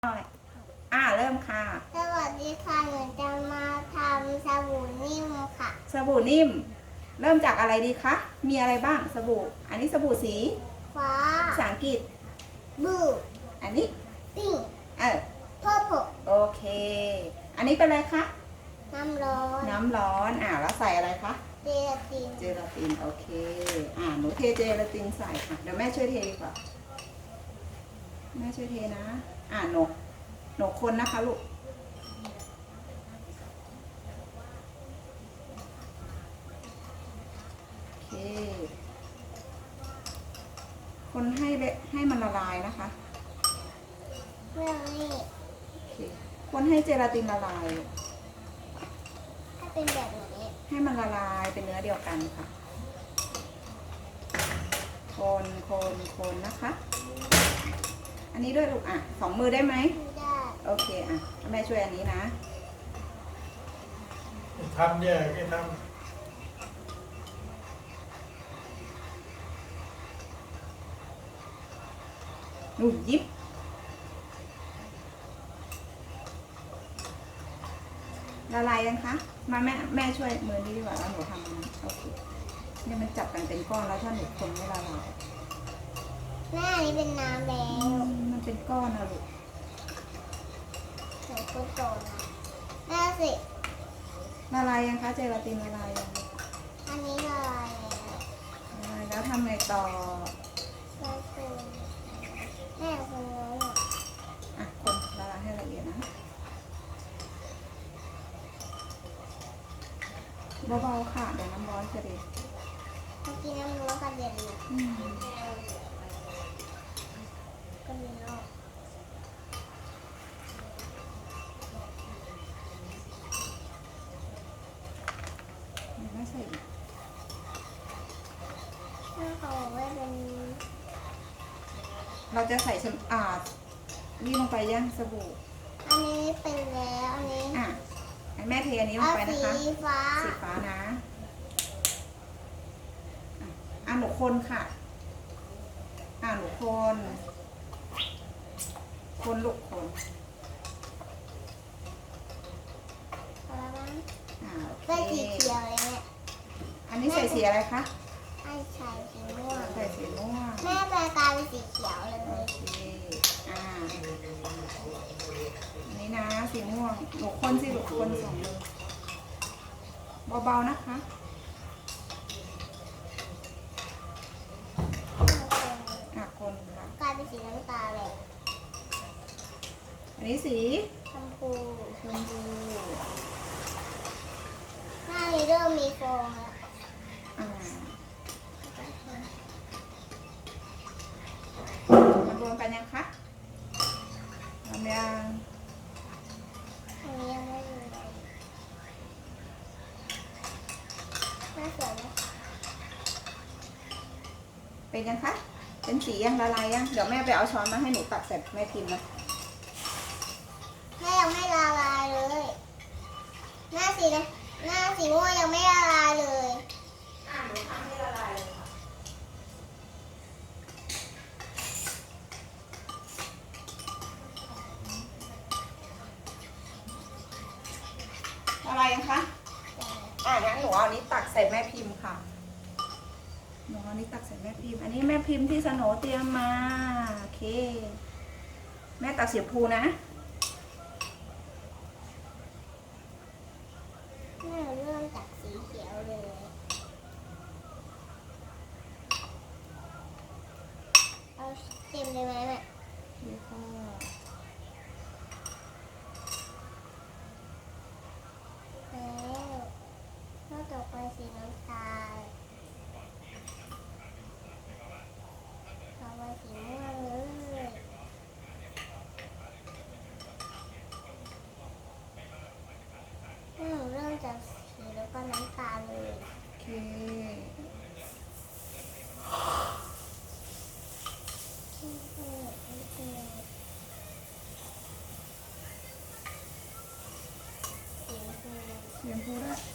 หน่อยเริ่มค่ะสวัสดีค่ะหนูจะมาทำสบู่นิ่มค่ะสบู่นิ่มเริ่มจากอะไรดีคะมีอะไรบ้างสบู่อันนี้สบู่สีฟ้าภาษาอังกฤษบลูอันนี้ปิ้งพอพโอเคอันนี้เป็นอะไรคะน้ำร้อนแล้วใส่อะไรคะเจลาตินโอเคหนูเทเจลาตินใส่ค่ะเดี๋ยวแม่ช่วยเทดีกว่าแม่ช่วยเทนะหนูคนนะคะลูกโอเคคนให้มันละลายนะคะเมื่อนี้โอเคคนให้เจลาตินละลายถ้าเป็นแบบนี้ให้มันละลายเป็นเนื้อเดียวกันค่ะคนนะคะ อันนี้ด้วยลูกสองมือได้ไหมได้โอเคแม่ช่วยอันนี้นะทำเนี่ยไม่ทหนูยิบละลายยังคะมาแม่ช่วยมือนี้ดีกว่าแล้วหนูทำมันโอเคเนี่ยมันจับกันเป็นก้อนแล้วถ้าหนูคนไม่ละลายแม่อันนี้เป็นน้ำแล้วมันเป็นก้อนนะลูกหนูคนโตนะแม่สิละลายยังคะเจลาตินละลายยังอันนี้ละลายแล้วทำไงต่อแล้วคนแม่คนน้องคนละลายให้ละเอียดนะเบาๆค่ะเดี๋ยวน้ำร้อนจะเด็ดเมื่อกี้น้ำร้อนกระเด็นเลยก็มีนอกไม่ใส่แม่เขาบอกว่าเป็นเราจะใส่นี่ลงไปยังสบู่อันนี้เป็นแล้วอันนี้แม่เทอันนี้ลงไปนะคะสีฟ้านะหนูคนค่ะหนูคนลูกคนใส่สีเขียวเลยเนี่ยอันนี้ใส่สีอะไรคะใส่สีม่วงใส่สีม่วงแม่แปลกลายเป็นสีเขียวเลยโอเคนี่นะสีม่วงหนูคนสิลูกคนสองมือเบาๆนะคะคนกลายเป็นสีน้ำตาลเลยอันนี้สีชมพูหน้านี้เริ่มมีฟองแล้วมันรวมกันยังคะรวมยังอันนี้ยังไม่มีน่าสวยไหมเป็นยังคะเป็นสียังละลายยังเดี๋ยวแม่ไปเอาช้อนมาให้หนูตักเสร็จแม่พิมพ์นะแม่ยังไม่ละลายเลยหน้าสีม่วงยังไม่ละลายเลยหนูทำให้ละลายเลยค่ะละลายยังคะงั้นหนูเอาอันนี้ตักใส่แม่พิมพ์ค่ะหนูเอาอันนี้ตักใส่แม่พิมพ์อันนี้แม่พิมพ์ที่สโหนเตรียมมาโอเคแม่ตักสีพูนะแม่เริ่มจากสีเขียวเลยเอาเต็มเลยไหมแม่แล้วก็แล้วต่อไปสีน้ำตาลต่อไปสีม่วงเลยเริ่มจากสีแล้วก็น้ำตาลเลยโอเคเรียนพูดได้